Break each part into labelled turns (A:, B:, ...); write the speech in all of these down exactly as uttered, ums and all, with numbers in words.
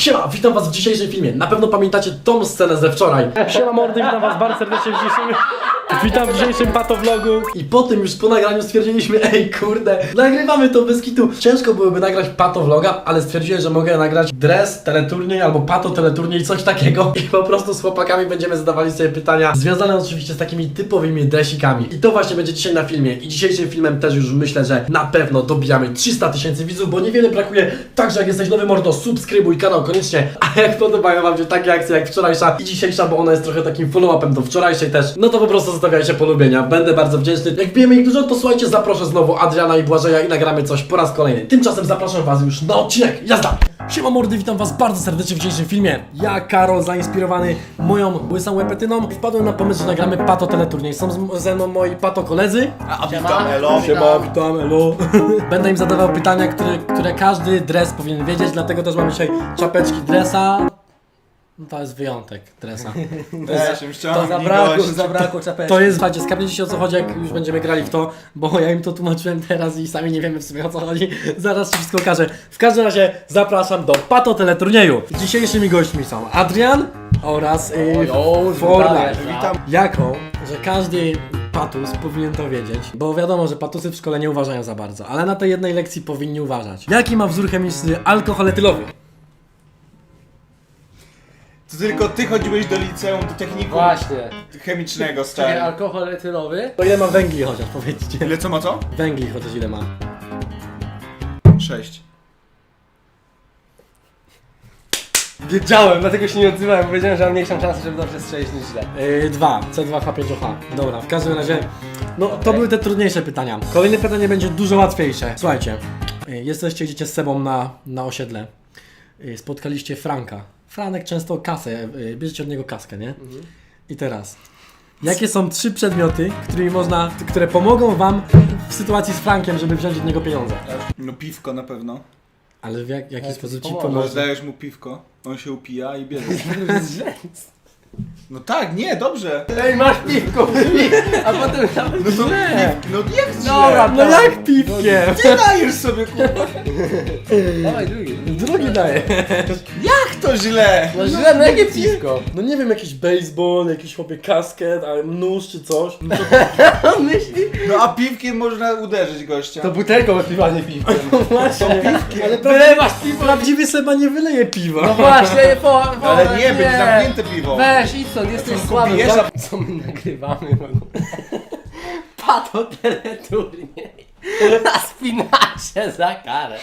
A: Siema, witam was w dzisiejszym filmie. Na pewno pamiętacie tą scenę ze wczoraj. Siema mordy, witam was bardzo serdecznie w dzisiejszym... Witam w dzisiejszym patovlogu. I po tym już po nagraniu stwierdziliśmy, ej kurde, nagrywamy to bez kitu. Ciężko byłoby nagrać patovloga, ale stwierdziłem, że mogę nagrać dres, teleturniej albo pato teleturniej, coś takiego. I po prostu z chłopakami będziemy zadawali sobie pytania związane oczywiście z takimi typowymi dresikami. I to właśnie będzie dzisiaj na filmie. I dzisiejszym filmem też już myślę, że na pewno dobijamy trzysta tysięcy widzów, bo niewiele brakuje. Także jak jesteś nowy mordo, subskrybuj kanał koniecznie. A jak podobają wam się takie akcje jak wczorajsza i dzisiejsza, bo ona jest trochę takim follow-upem do wczorajszej też, no to po prostu zostawiajcie polubienia. Będę bardzo wdzięczny. Jak bijemy ich dużo, to słuchajcie, zaproszę znowu Adriana i Błażeja i nagramy coś po raz kolejny. Tymczasem zapraszam was już na odcinek. Jazda! Siema mordy, witam was bardzo serdecznie w dzisiejszym filmie. Ja, Karol, zainspirowany moją łysą łepetyną, wpadłem na pomysł, że nagramy pato teleturniej. Są z- ze mną moi pato koledzy.
B: A witam, elo.
A: Siema, witam, elo. Będę im zadawał pytania, które, które każdy dres powinien wiedzieć, dlatego też mamy dzisiaj czapeczki dresa. No to jest wyjątek dresa.
B: Ja się
A: To
C: Zabrakło, zabrakło czapeczki.
A: To jest, słuchajcie, skapniecie się o co chodzi, jak już będziemy grali w to, bo ja im to tłumaczyłem teraz i sami nie wiemy w sumie o co chodzi. Zaraz ci wszystko okażę. W każdym razie zapraszam do pato teleturnieju. Dzisiejszymi gośćmi są Adrian oraz yy, Fortnite.
B: Witam.
A: Jako, że każdy patus powinien to wiedzieć, bo wiadomo, że patusy w szkole nie uważają za bardzo, ale na tej jednej lekcji powinni uważać. Jaki ma wzór chemiczny alkohol etylowy?
B: To tylko ty chodziłeś do liceum, do technikum
C: Właśnie.
B: chemicznego,
C: Czyli
B: stary.
C: alkohol etylowy.
A: To ile ma węgli chociaż, powiedzcie.
B: Ile co ma co?
A: Węgli chociaż ile ma?
B: Sześć.
C: Wiedziałem, dlatego się nie odzywałem, bo wiedziałem, że mam mniejszą szansę, żeby dobrze strzelić niż źle.
A: Yy, dwa, C dwa H pięć O H. Dobra, w każdym razie, no to były te trudniejsze pytania. Kolejne pytanie będzie dużo łatwiejsze. Słuchajcie, yy, jesteście, idziecie z sobą na, na osiedle. Yy, spotkaliście Franka. Franek często kasę, yy, bierzecie od niego kaskę, nie? I teraz, jakie są trzy przedmioty, którymi można, które pomogą wam w sytuacji z Frankiem, żeby wziąć od niego pieniądze?
B: No piwko na pewno.
A: Ale w jak, jaki
C: Ale
A: sposób ci
C: pomoże.
B: Może
A: pomoże?
B: dajesz mu piwko, on się upija i bierze.
C: To jest źle.
B: No tak, nie, dobrze.
C: Ej, masz piwko, a potem nawet
B: No to
A: Źle.
B: No jak źle?
C: Dobra,
A: No jak piwkiem?
B: Ty dajesz sobie, kurwa.
C: Dawaj drugi.
A: Drugi daje.
B: Jak to źle?
C: No źle, no jakie piwko?
A: No nie wiem, jakiś baseball, jakiś chłopie kasket, ale nóż czy coś. No to
C: On myśli?
B: No a piwkiem można uderzyć gościa.
C: To butelką piwa, nie piwkiem.
A: właśnie. Ale
C: Wylewasz piwo.
A: prawdziwy Seba nie wyleje piwa.
C: No właśnie, po, po,
B: Ale nie, będzie zamknięte piwo.
C: Weź, idź stąd, jesteś
B: co,
C: słaby.
B: pijesz?
C: Zobacz, co my nagrywamy w ogóle. Pato teleturniej. Na spinacie za karę.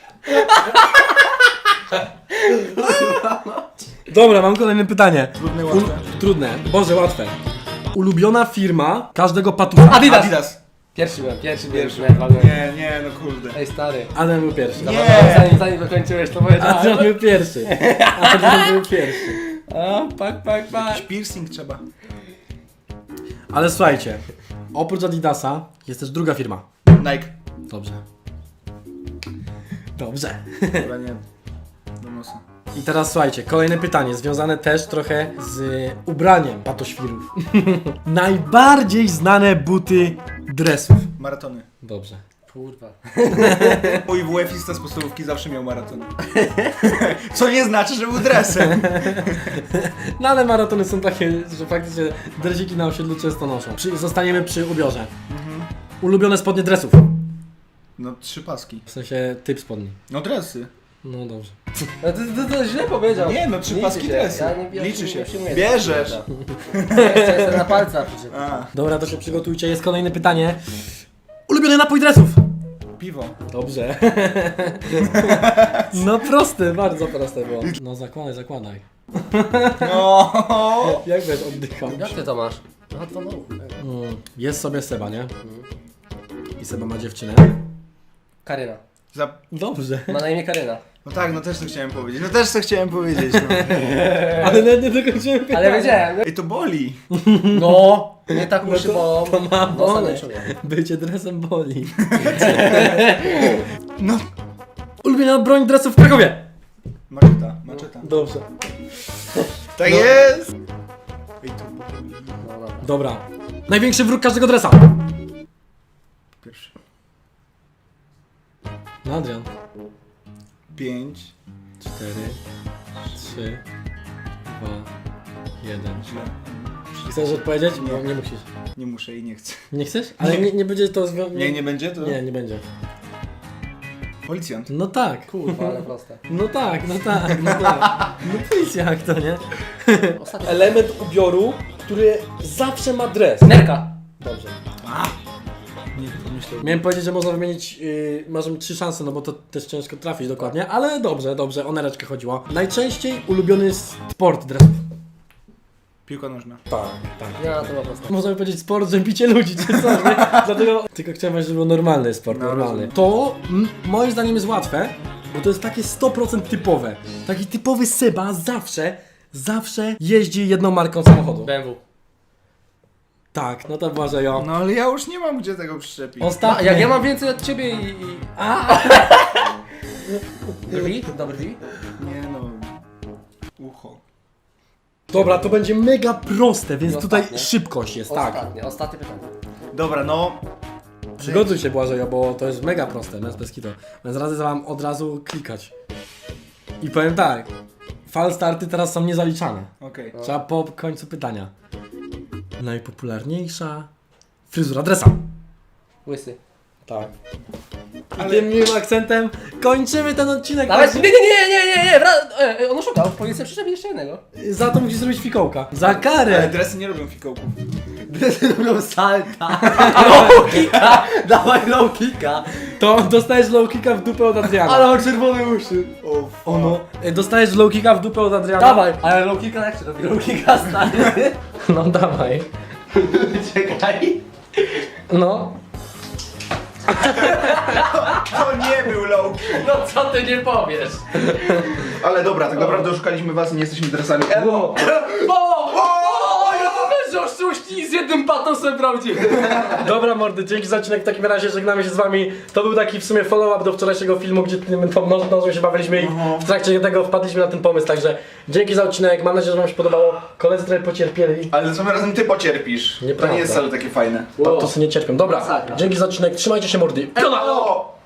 A: Dobra, mam kolejne pytanie.
B: Trudne,
A: U-
B: łatwe.
A: trudne, Boże, łatwe. Ulubiona firma każdego patusa.
C: Adidas.
B: Adidas.
C: Pierwszy byłem, pierwszy
B: Pierwszy.
C: byłem.
B: Nie, nie, no kurde.
C: Ej stary.
A: Adam był pierwszy.
B: Nie.
C: Dobra, Zanim, zanim dokończyłeś to
A: Adrian
C: powiedziałem.
A: był pierwszy. Adrian był pierwszy.
C: A, pak, pak, pak.
B: Jakiś piercing trzeba.
A: Ale słuchajcie, oprócz Adidasa jest też druga firma.
B: Nike.
A: Dobrze. Dobrze.
B: Dobra, nie. Do nosa.
A: I teraz słuchajcie, kolejne pytanie, związane też trochę z ubraniem patoświrów. Najbardziej znane buty dresów.
B: Maratony.
A: Dobrze.
C: Kurwa.
B: Mój W F-ista z podstawówki zawsze miał maraton. Co nie znaczy, że był dresem.
A: No ale maratony są takie, że faktycznie dresiki na osiedlu często noszą. Przy, zostaniemy przy ubiorze. Ulubione spodnie dresów.
B: No trzy paski.
A: W sensie typ spodni.
B: No dresy.
A: No dobrze.
C: No to, to, to źle powiedział.
B: Nie, no trzy
C: Liczy
B: paski
C: się.
B: dresy.
C: Ja nie, ja
B: Liczy się.
C: Nie przyjmuję
B: Bierzesz.
C: tego. Ja jestem na palcach przecież.
B: A,
A: Dobra, to się przygotujcie, jest kolejne pytanie. Ulubiony napój dresów.
B: piwo.
A: Dobrze. No proste, bardzo proste było. No zakładaj, zakładaj.
B: No.
A: Jak wiesz, oddycham.
C: Jak ty to masz? No to no.
A: Mm, jest sobie Seba, nie? I Seba ma dziewczynę.
C: Karyna.
B: Za...
A: Dobrze.
C: Ma na imię Karyna.
B: No tak, no też to chciałem powiedzieć. No też to chciałem powiedzieć, no.
A: Ale nawet nie dokończyłem pytania.
C: Ale wiedziałem.
B: Ej, to boli.
C: No. Nie tak uszy
A: to-
C: bolą.
A: to ma
C: Nosa
A: boleć.
C: nie czuję.
A: Bycie dresem boli.
B: No.
A: Ulubiona broń dresów w Krakowie.
B: Maczeta, maczeta.
A: Dobrze.
B: Tak
A: No.
B: jest. Ej, to boli.
C: No dobra.
A: Dobra. Największy wróg każdego dresa.
B: Pierwszy.
A: No Adrian.
B: Pięć.
A: Cztery. trzy, dwa, jeden.
B: Źle.
A: Chcesz odpowiedzieć?
B: Nie.
A: No, nie musisz.
B: Nie muszę i nie chcę.
A: Nie chcesz? Ale nie, nie będzie to związane.
B: Nie, nie będzie to?
A: Nie, nie będzie.
B: Policjant.
A: No tak.
C: Kurwa, ale proste.
A: No tak, no tak, no tak. No policja jak to, nie?
C: Ostatni.
A: Element ubioru, który zawsze ma dres.
C: Nerka.
A: Dobrze.
B: A! Nie pomyślałem.
A: Miałem powiedzieć, że można wymienić, yy, możemy trzy szanse, no bo to też ciężko trafić dokładnie, ale dobrze, dobrze, o nereczkę chodziło. Najczęściej ulubiony sport dresów.
B: Piłka nożna.
A: Tak, tak.
C: Ja, to było proste.
A: Możemy powiedzieć sport, że bicie ludzi czy coś, nie? Dlatego tylko chciałem powiedzieć, że był normalny sport,
B: No,
A: normalny.
B: rozumiem.
A: To m, moim zdaniem jest łatwe, bo to jest takie sto procent typowe. Taki typowy Seba zawsze, zawsze jeździ jedną marką samochodu.
C: B M W.
A: Tak, no to Błażejo.
B: No ale ja już nie mam gdzie tego przyczepić.
C: A,
A: Ostatni.
C: jak ja mam więcej od ciebie i... i...
A: A!
C: Brwi? Dobry brwi?
B: Nie no. Ucho.
A: Dobra, to będzie mega proste, więc
C: I
A: tutaj
C: ostatnie.
A: szybkość jest, tak.
C: Ostatnie, ostatnie pytanie.
B: Dobra, no.
A: Przygotuj się Błażejo, bo to jest mega proste, bez bez kitu. Więc radzę wam od razu klikać. I powiem tak, fal starty teraz są niezaliczane.
B: Okej.
A: Trzeba po końcu pytania. Najpopularniejsza fryzura dresa.
C: Łysy.
A: Tak. I
B: Ale-
A: tym miłym akcentem kończymy ten odcinek.
C: Nawet, nie, nie, nie, nie, nie, nie, wra- e, e, on oszukał, powinien sobie przyczepić jeszcze jednego.
A: Za to musisz zrobić fikołka. Za
B: Ale
A: karę.
B: dresy nie lubią fikołków.
C: Robią salta. Low kicka, dawaj low kicka.
A: To dostajesz low kicka w dupę od Adriana.
C: Ale on czerwone uszy.
B: O,
A: Ono. y, Dostajesz low kicka w dupę od Adriana.
C: Dawaj, ale low kicka jak się robi? Low kicka stary.
A: No dawaj.
C: Czekaj.
A: No.
B: To nie był low.
C: No co ty nie powiesz?
D: Ale dobra, tak naprawdę oszukaliśmy was i nie jesteśmy dresami.
C: O! O! O! Ja to też że oszuści z jednym patosem prawdziwym.
A: Dobra mordy, dzięki za odcinek. W takim razie żegnamy się z wami. To był taki w sumie follow-up do wczorajszego filmu, gdzie tym tą nożą nożą się bawiliśmy i w trakcie tego wpadliśmy na ten pomysł. Także dzięki za odcinek. Mam nadzieję, że wam się podobało. Koledzy trochę pocierpieli.
D: Ale tym razem ty pocierpisz.
A: Nieprawda.
D: To nie jest wcale takie fajne.
A: To, to sobie nie cierpią. Dobra,
C: Masakra.
A: dzięki za odcinek. Trzymajcie się mordy.
D: O!